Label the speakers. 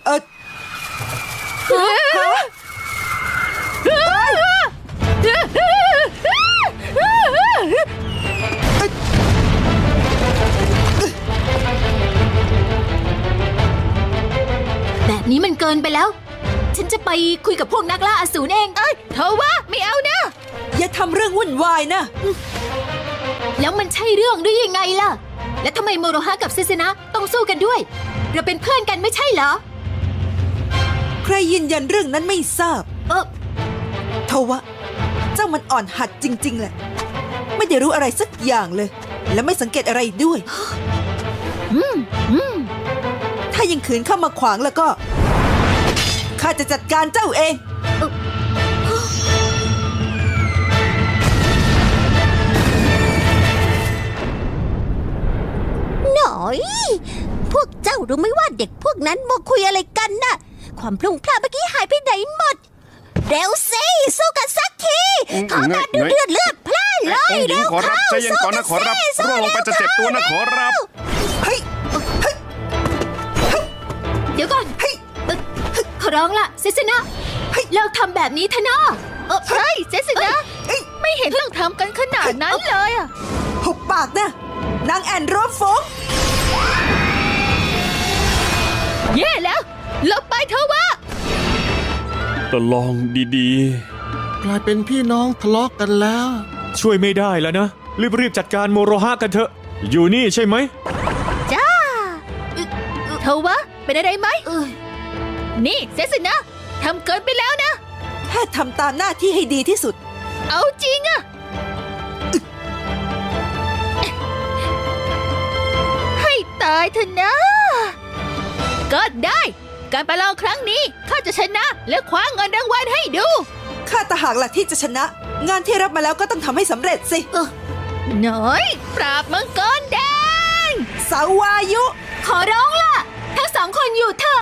Speaker 1: ฮะ
Speaker 2: แบบนี้มันเกินไปแล้ว ฉันจะไปคุยกับพวกนักล่าอสูรเองเธอว่าไม่เอานะ
Speaker 1: อย่าทำเรื่องวุ่นวายนะ
Speaker 2: แล้วมันใช่เรื่องหรือยังไงล่ะ และทำไมโมโรฮะกับเซเซนะต้องสู้กันด้วย เราเป็นเพื่อนกันไม่ใช่เหรอ
Speaker 1: ใครยืนยันเรื่องนั้นไม่ทราบทว่าเจ้ามันอ่อนหัดจริงๆแหละไม่ได้รู้อะไรสักอย่างเลย และไม่สังเกตอะไรด้วยถ้ายังขืนเข้ามาขวางแล้วก็ข้าจะจัดการเจ้าเอง
Speaker 3: หน่อย พวกเจ้ารู้ไหมว่าเด็กพวกนั้นมาคุยอะไรกันน่ะ ความพลุ่งพล่านเมื่อกี้หายไปไหนหมด เร็วสิสู้กันสักทีขอการดูเลือดพล่านเลย
Speaker 4: องค์หญิงขอรับใจเย็นก่อนนะขอรับร่วงลงไปจะเจ็บตัวนะขอรับ
Speaker 1: เฮ้ย
Speaker 2: เดี๋ยวก่อนขอร้องล่ะเซเซนะเลิกทำแบบนี้เถอะนะใช่เซเซนะไม่เห็นต้องทำกันขนาดนั้นเลยอะ
Speaker 1: หุบปากนะนางแอนโรสฟง
Speaker 2: แย่แล้วหลบไปเถอะวะ
Speaker 4: ก็ลองดี
Speaker 5: กลายเป็นพี่น้องทะเลาะกันแล้ว
Speaker 6: ช่วยไม่ได้แล้วนะ รีบๆจัดการโมโรฮะกันเถอะ อยู่นี่ใช่ไหม
Speaker 2: จ้าเธอวะเป็นอะไรไหมนี่เซเซนะทำเกินไปแล้วนะ
Speaker 1: แค่ทำตามหน้าที่ให้ดีที่สุด
Speaker 2: เอาจริงอะให้ตายเถอะนะ ก็ได้ การประลองครั้งนี้ข้าจะชนะและคว้าเงินรางวัลให้ดู
Speaker 1: ข้าตะหากหลักที่จะชนะ งานที่รับมาแล้วก็ต้องทำให้สำเร็จสิ
Speaker 2: หน่อยปราบมังกรแดง
Speaker 1: สาวายุ
Speaker 2: ขอร้องล่ะ ทั้งสองคนอยู่เถอะ